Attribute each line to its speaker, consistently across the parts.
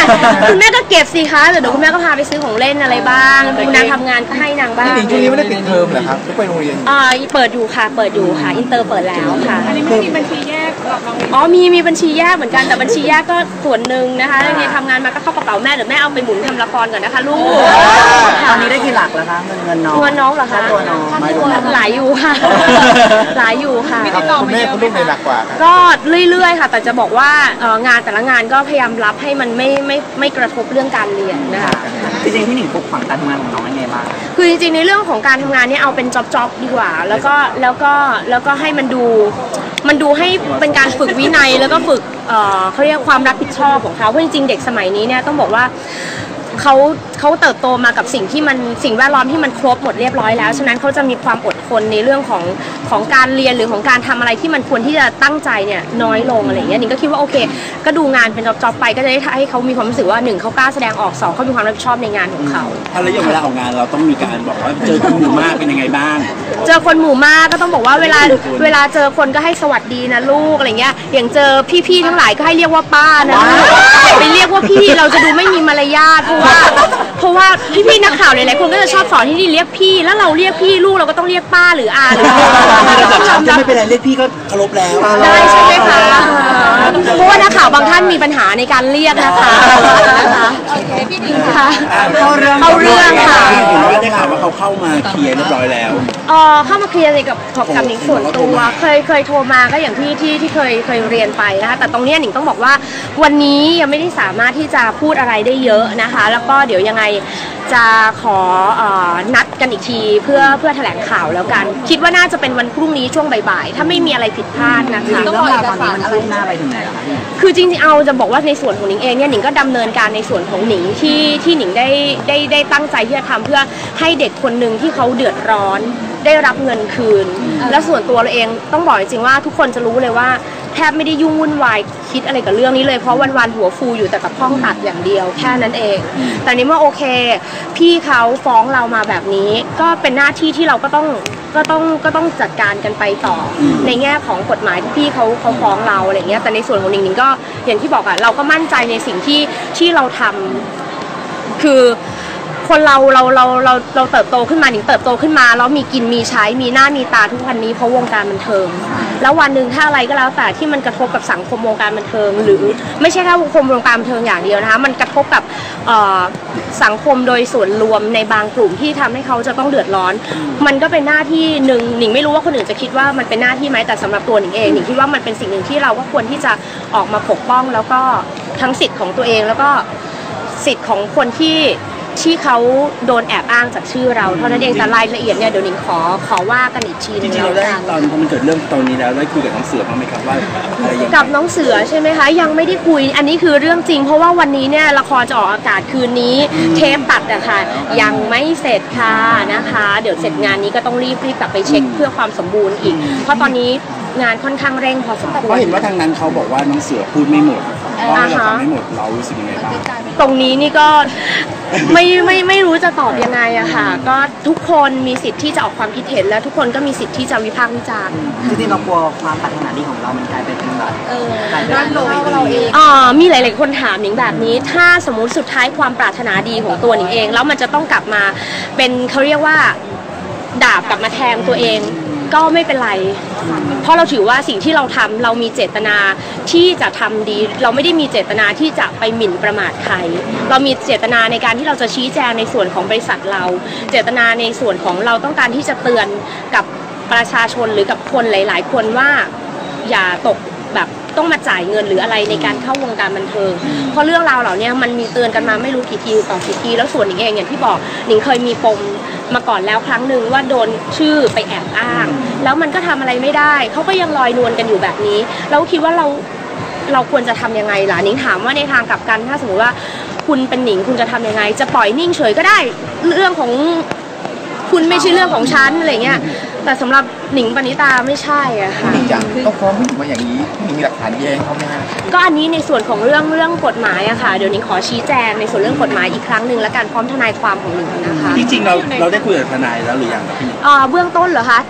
Speaker 1: คุณแม่ก็เก็บสิคะแต่เดี๋ยวคุณแม่ก็พาไปซื้อของเล่นอะไรบ้างดูนางทำงานก็ให้นางบ้าง
Speaker 2: จริงๆช่วงนี้ไม่ได้ปิดเทอมเหรอครับก็ไปโรงเรียน
Speaker 1: เปิดอยู่ค่ะอินเตอร์เปิดแล้วค่ะ
Speaker 3: อันนี้ไม่มีบัญชีแยกหรอกน้อง
Speaker 1: มีบัญชีแยกเหมือนกันแต่บัญชีแยกก็ส่วนหนึ่งนะคะเนี่ยทำงานมาก็เข้ากระเป๋าแม่เดี๋ยวแม่เอาไปหมุนทำละครก่อนนะคะลูก
Speaker 4: ตอนนี้ได้กี่หลักแล้วคะเงินน้อง
Speaker 1: เหรอคะ
Speaker 4: ตัวน้อง
Speaker 1: หลายอยู่ค่ะหลายอยู่ค่ะ
Speaker 2: คุณแม่คุณลูกในหลักกว่า
Speaker 1: ก็เรื่อยๆค่ะแต่จะบอกว่างานแต่ละงานก็พยายามรับให้มันไม่กระทบเรื่องการเรียนนะคะ
Speaker 4: จริงๆพี่หนิงปลุกฝังการทำงานของน้องยังไงบ้าง
Speaker 1: คือจริงๆในเรื่องของการทำงานเนี่ยเอาเป็นจ็อบดีกว่าแล้วก็ให้มันดูให้เป็นการฝึกวินัยแล้วก็ฝึกเขาเรียกความรับผิดชอบของเขาเพราะจริงๆเด็กสมัยนี้เนี่ยต้องบอกว่าเขาเติบโตมากับสิ่งแวดล้อมที่มันครบหมดเรียบร้อยแล้วฉะนั้นเขาจะมีความอดทนในเรื่องของการเรียนหรือของการทำอะไรที่มันควรที่จะตั้งใจเนี่ยน้อยลงอะไรอย่างเงี้ยนิ่งก็คิดว่าโอเคก็ดูงานเป็นจ็อบไปก็จะได้ให้เขามีความรู้สึกว่า1เขากล้าแสดงออก2เขามีความรับผิดชอบในงานของเขา
Speaker 5: ถ้าระยะเวลาของงานเราต้องมีการบอกว่าเจอคนหมู่มากเป็นยังไงบ้าง
Speaker 1: เจอคนหมู่มากก็ต้องบอกว่าเวลาเจอคนก็ให้สวัสดีนะลูกอะไรเงี้ยอย่างเจอพี่ๆทั้งหลายก็ให้เรียกว่าป้านะไปเรียกว่าพี่เราจะดูไม่มีมารยาทเพราะว่าพี่ๆนักข่าวหลายๆคนก็จะชอบสอนที่นี่เรียกพี่แล้วเราเรียกพี่ลูกเราก็ต้องเรียกป้าหรืออาหรือ
Speaker 5: จะไม่เป็นไรเรียกพี่ก็เคารพแล้ว
Speaker 1: ได้ใช่ไหมคะเพราะว่านักข่าวบางท่านมีปัญหาในการเรียกนะคะโอเคพี่ดิงค่ะเข้าเรื่องค่ะ
Speaker 5: เห็นว่าได้ข่าวว่าเขาเข้ามาเคลียร์เรียบร้อยแล้ว
Speaker 1: เข้ามาเคลียร์กับหนิงส่วนตัวเคยโทรมาก็อย่างที่เคยเรียนไปนะคะแต่ตรงนี้หนิงต้องบอกว่าวันนี้ยังไม่ได้สามารถที่จะพูดอะไรได้เยอะนะคะแล้วก็เดี๋ยวยังไงจะขอนัดกันอีกทีเพื่อแถลงข่าวแล้วกันคิดว่าน่าจะเป็นวันพรุ่งนี้ช่วงบ่ายๆถ้าไม่มีอะไรผิดพลาดนะคะ
Speaker 4: ต้องรอเอกสารอะไรหน้าไปถึงไหนล่ะคะ
Speaker 1: คือจริงๆเอาจะบอกว่าในส่วนของหนิงเองเนี่ยหนิงก็ดำเนินการในส่วนของหนิงที่หนิงได้ตั้งใจที่จะทำเพื่อให้เด็กคนหนึ่งที่เขาเดือดร้อนได้รับเงินคืนและส่วนตัวเราเองต้องบอกจริงๆว่าทุกคนจะรู้เลยว่าแทบไม่ได้ยุ่งวุ่นวายคิดอะไรกับเรื่องนี้เลยเพราะวันๆหัวฟูอยู่แต่กับห้องตัดอย่างเดียวแค่นั้นเองแต่นี้เมื่อโอเคพี่เขาฟ้องเรามาแบบนี้ก็เป็นหน้าที่ที่เราก็ต้องจัดการกันไปต่อในแง่ของกฎหมายที่พี่เขาฟ้องเราอะไรเงี้ยแต่ในส่วนของหนิงก็อย่างที่บอกอะเราก็มั่นใจในสิ่งที่เราทำคือคนเราเติบโตขึ้นมาหนิงเติบโตขึ้นมาแล้วมีกินมีใช้มีหน้ามีตาทุกวันนี้เพราะวงการบันเทิงแล้ววันหนึ่งถ้าอะไรก็แล้วแต่ที่มันกระทบกับสังคมวงการบันเทิงหรือไม่ใช่แค่วงการบันเทิงอย่างเดียวนะคะมันกระทบกับสังคมโดยส่วนรวมในบางกลุ่มที่ทำให้เขาจะต้องเดือดร้อนมันก็เป็นหน้าที่หนึ่งหนิงไม่รู้ว่าคนอื่นจะคิดว่ามันเป็นหน้าที่ไหมแต่สำหรับตัวหนิงเองหนิงคิดว่ามันเป็นสิ่งหนึ่งที่เราก็ควรที่จะออกมาปกป้องแล้วก็ทั้งสิทธิ์ของตัวเองแล้วก็สิทธิ์ของคนที่เขาโดนแอบอ้างจากชื่อเราเท่านั้นเองแต่รายละเอียดเนี่ยเดี๋ยวหนิงขอว่ากันอีกทีนึงแล้วกัน
Speaker 5: ตอนมันเกิดเรื่องตอนนี้แล้วได้คุยกับน้องเสือบ้างไหมครับว่าอะไรอย่าง
Speaker 1: กับน้องเสือใช่ไหมคะยังไม่ได้คุยอันนี้คือเรื่องจริงเพราะว่าวันนี้เนี่ยละครจะออกอากาศคืนนี้เทปตัดอะค่ะยังไม่เสร็จค่ะนะคะเดี๋ยวเสร็จงานนี้ก็ต้องรีบกลับไปเช็คเพื่อความสมบูรณ์อีกเพราะตอนนี้งานค่อนข้างเร่งพอสมควร
Speaker 5: เพราะเห็นว่าทางนั้นเขาบอกว่าน้องเสือพูดไม่หมดเพราะเราฟังไม่หมดเรารู้สึกยังไงบ้าง
Speaker 1: ตรงนี้นี่ก็ไม่รู้จะตอบยังไงอะค่ะก็ทุกคนมีสิทธิ์ที่จะออกความคิดเห็นและทุกคนก็มีสิทธิ์ที่จะวิพากษ์วิจารณ์
Speaker 4: จริงๆเรากลัวความปรารถนาดีของเรามันกลายเป็นแบบ
Speaker 1: ด้านลบเราเองมีหลายๆคนถามหนิงแบบนี้ถ้าสมมุติสุดท้ายความปรารถนาดีของตัวหนิงเองแล้วมันจะต้องกลับมาเป็นเขาเรียกว่าดาบกลับมาแทงตัวเองก็ไม่เป็นไรเพราะเราถือว่าสิ่งที่เราทำเรามีเจตนาที่จะทำดีเราไม่ได้มีเจตนาที่จะไปหมิ่นประมาทใครเรามีเจตนาในการที่เราจะชี้แจงในส่วนของบริษัทเราเจตนาในส่วนของเราต้องการที่จะเตือนกับประชาชนหรือกับคนหลายๆคนว่าอย่าตกแบบต้องมาจ่ายเงินหรืออะไรในการเข้าวงการบันเทิงเพราะเรื่องราวเหล่านี้มันมีเตือนกันมาไม่รู้กี่ทีต่อกี่ทีแล้วส่วนหนิงเองอย่างที่บอกหนิงเคยมีปมมาก่อนแล้วครั้งหนึ่งว่าโดนชื่อไปแอบอ้างแล้วมันก็ทำอะไรไม่ได้เขาก็ยังลอยนวลกันอยู่แบบนี้แล้วคิดว่าเราควรจะทำยังไงล่ะหนิงถามว่าในทางกลับกันถ้าสมมติว่าคุณเป็นหนิงคุณจะทำยังไงจะปล่อยนิ่งเฉยก็ได้เรื่องของคุณไม่ใช่เรื่องของฉันอะไรเงี้ยแต่สำหรับหนิงปณิตาไม่ใช่อะค่ะ
Speaker 2: หนิงยังต้องฟ้องผู้หญิงมาอย่างนี้หนิงมีหลักฐานแย้งเขาไหมคะ
Speaker 1: ก็อันนี้ในส่วนของเรื่องกฎหมายอะค่ะเดี๋ยวหนิงขอชี้แจงในส่วนเรื่องกฎหมายอีกครั้งหนึ่งและการพร้อมทนายความของหนิงนะคะ
Speaker 5: จริงๆเราได้คุยกับทนายแล้วหรือยังครับพี่
Speaker 1: เบื้องต้นเหรอคะ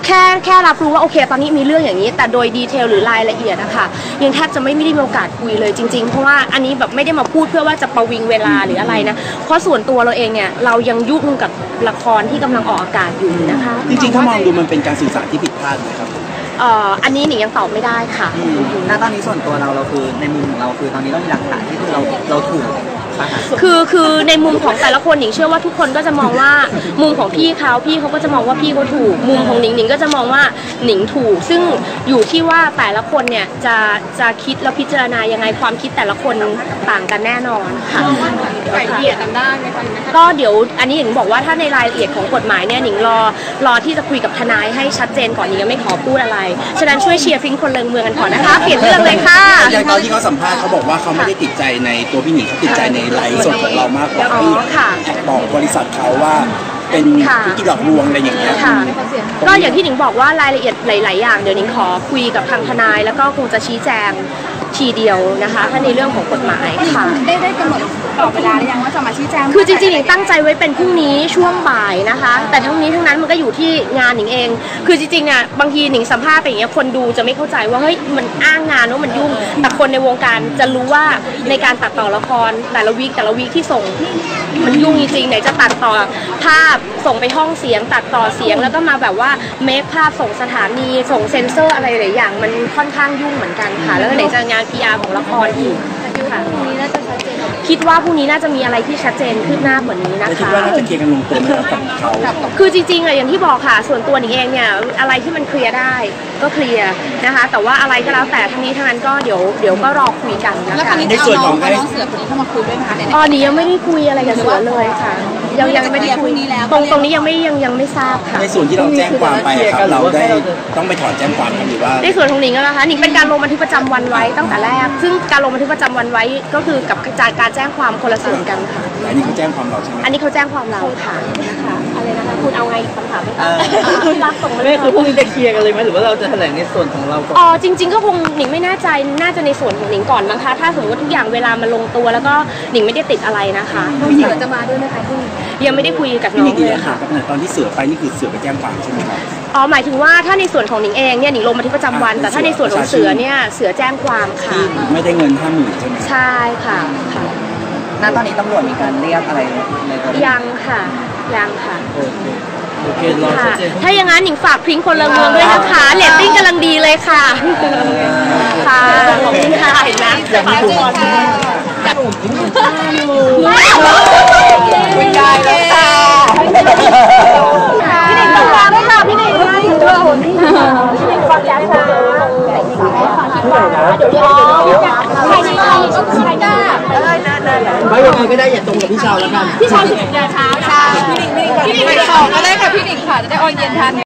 Speaker 1: แค่รับรู้ว่าโอเคตอนนี้มีเรื่องอย่างนี้แต่โดยดีเทลหรือรายละเอียดอะค่ะยังแทบจะไม่ได้มีโอกาสคุยเลยจริงๆเพราะว่าอันนี้แบบไม่ได้มาพูดเพื่อว่าจะประวิงเวลาหรืออะไรนะเพราะส่วนตัวเราเองเนี่ยเรายังยุ่งกับละครที่กำลังออกอากาศอยู่นะคะ
Speaker 5: จริงๆถ้ามองดูมันเป็นการสื่อสารที่ผิดพลาดไหมครับ
Speaker 1: อันนี้หนิงยังตอบไม่ได้ค่ะ
Speaker 4: ณตอนนี้ส่วนตัวเราคือในมุมของเราคือตอนนี้เรามีหลักฐานที่เราถูกป่ะคะ
Speaker 1: คือในมุมของแต่ละคนหนิงเชื่อว่าทุกคนก็จะมองว่ามุมของพี่เขาก็จะมองว่าพี่เขาถูกมุมของหนิงก็จะมองว่าหนิงถูกซึ่งอยู่ที่ว่าแต่ละคนเนี่ยจะคิดแล้วพิจารณายังไงความคิดแต่ละคนต่างกันแน่นอนค่ะ
Speaker 3: ไก่เกลี่ยกันได้ไหมคะ
Speaker 1: ก็เดี๋ยวอันนี้หนิงบอกว่าถ้าในรายละเอียดของกฎหมายเนี่ยหนิงรอที่จะคุยกับทนายให้ชัดเจนก่อนหนิงยังไม่ขอพูดอะไรฉะนั้นช่วยเชียร์ฟิงคนเลิงเมืองกันก่อนนะคะเปลี่ยนเรื่องเลยค่ะ
Speaker 5: อย่างตอนที่เขาสัมภาษณ์เขาบอกว่าเขาไม่ได้ติดใจในตัวพี่หนิงเขาติดใจในไลฟ์สดของเรามากกว่าที่บอกบริษัทเขาว่าเป็นธุรกิจหลอกลวงอะไรอย่างเงี้ย
Speaker 1: ค่ะก็อย่างที่หนิงบอกว่ารายละเอียดหลายๆอย่างเดี๋ยวหนิงขอคุยกับทางทนายแล้วก็คงจะชี้แจงทีเดียวนะคะถ้าในเรื่องของกฎหมายค่ะ
Speaker 3: ได้กำหนดกรอบเวลาหรือยังว่าจะมาชี้แจง
Speaker 1: คือจริงๆหนิงตั้งใจไว้เป็นพรุ่งนี้ช่วงบ่ายนะคะ แต่ทั้งนี้ทั้งนั้นมันก็อยู่ที่งานหนิงเอง คือจริงๆอ่ะบางทีหนิงสัมภาษณ์ไปอย่างเงี้ยคนดูจะไม่เข้าใจว่าเฮ้ยมันอ้างงานว่ามันยุ่งแต่คนในวงการจะรู้ว่าในการตัดต่อละครแต่ละวีคที่ส่งมันยุ่งจริงๆไหนจะตัดต่อภาพส่งไปห้องเสียงตัดต่อเสียงแล้วก็มาแบบว่าเมคภาพส่งสถานีส่งเซ็นเซอร์อะไรหลายอย่างมันค่อนข้างยุ่งเหมือนกันค่ะแล้วก็ไหนจะงาน PR ของละครอีกค่ะคิดว่าพรุ่งนี้น่าจะมีอะไรที่ชัดเจนขึ้นหน้ากว่านี้นะ
Speaker 5: คิด
Speaker 1: คะ
Speaker 5: ว่าน่าจะเคลียร์กันลงตัวไหมครับกับเขา
Speaker 1: คือจริงๆอะอย่างที่บอกค่ะส่วนตัวหนิงเองเนี่ยอะไรที่มันเคลียร์ได้ก็เคลียร์นะคะแต่ว่าอะไรก็แล้วแต่ทั้งนี้ทั้งนั้นก็เดี๋ยวก็รอคุยกันนะ
Speaker 3: แล้วค
Speaker 1: คะ
Speaker 3: รั้งนี้จะเอาน้องเสือคนนี้เข้ามาคุยด้วยไหมคะเนี่ย
Speaker 1: อ๋อหนิงยังไม่ได้คุยอะไรกับเสือเลยค่ะยังไม่ได้คุยตรงนี้ยังไม่ทราบค่ะ
Speaker 5: ในส่วนที่เราแจ้งความไปอะครับเราได้ต้องไปถอนแจ้งความกันหรือว่า
Speaker 1: ในส่วนของหนิงนะคะหนิงเป็นการลงบันทึกประจำวันไว้ตั้งแต่แรกซึ่งการลงบันทึกประจำวันไว้ก็คือกับการแจ้งความคนละส่วนกันค่ะ
Speaker 5: อันนี้เขาแจ้งความเราใช่ไหม
Speaker 1: อันนี้เขาแจ้งความเราค่ะอะไรนะคะคุณเอาไงคำถามไหมคะรับส่งมาเล
Speaker 4: ไม่
Speaker 1: ย
Speaker 4: คือพรุ่งนี้จะเคลียร์กันเลยไหมหรือว่าเราจะแถลงในส่วนของเราก่อน
Speaker 1: อ๋อจริงๆก็คงหนิงไม่แน่ใจน่าจะในส่วนของหนิงก่อนมั้งคะถ้าสมมติว่าทุกอย่างเวลามันลงตัวแล้วก็หนิงไม่ได้ติดอะไรนะคะ
Speaker 3: น้องเสือจะมาด้วยไหมคะพี่
Speaker 1: ยังไม่ได้คุยกับ
Speaker 5: พี่
Speaker 1: น้
Speaker 5: ห
Speaker 1: อ
Speaker 5: นิ
Speaker 1: ง
Speaker 5: ง
Speaker 1: เลยค่ะ
Speaker 5: ตอนที่เสือไปนี่คือเสือไปแจ้งความใช่ไหมครับ
Speaker 1: อ๋อหมายถึงว่าถ้าในส่วนของหนิงเองเนี่ยหนิงลงบันทึกประจำวันแต่ถ้าในส่วนของเสือเนี่ยเสือแจ้งความค่ะ
Speaker 5: ที่ไม่ได้เงิน50,000ใช่ไหม
Speaker 1: ใช่ค่ะ
Speaker 4: ณตอนนี้ตำรวจมีการเรียกอะไรในตัว
Speaker 1: ยังค่ะค่ะ
Speaker 4: โอเครอชัดเจน
Speaker 1: ถ้าอย่างนั้นหนิงฝากพริ้งคนละเมืองด้วยนะคะเรตติ้งกำลังดีเลยค่ะค่ะขอบคุณค่ะเห็นไหม
Speaker 3: ขอบคุณค่ะ
Speaker 1: คุณยายเลยค่ะพี่หนิงต้องมาด้วยค่ะพี่หนิงพี่หนิงฟังยายค่ะเดี๋ยวใครได้
Speaker 4: ไม่ยังไงก็ได้อย่าตรงกับพี่ชาวแล้วกัน
Speaker 1: พี่ชาย11 โมงเช้า
Speaker 3: พี่หนิงต่อก็ได้ค่ะพี่หนิงค่ะจะได้ออนเย็นทัน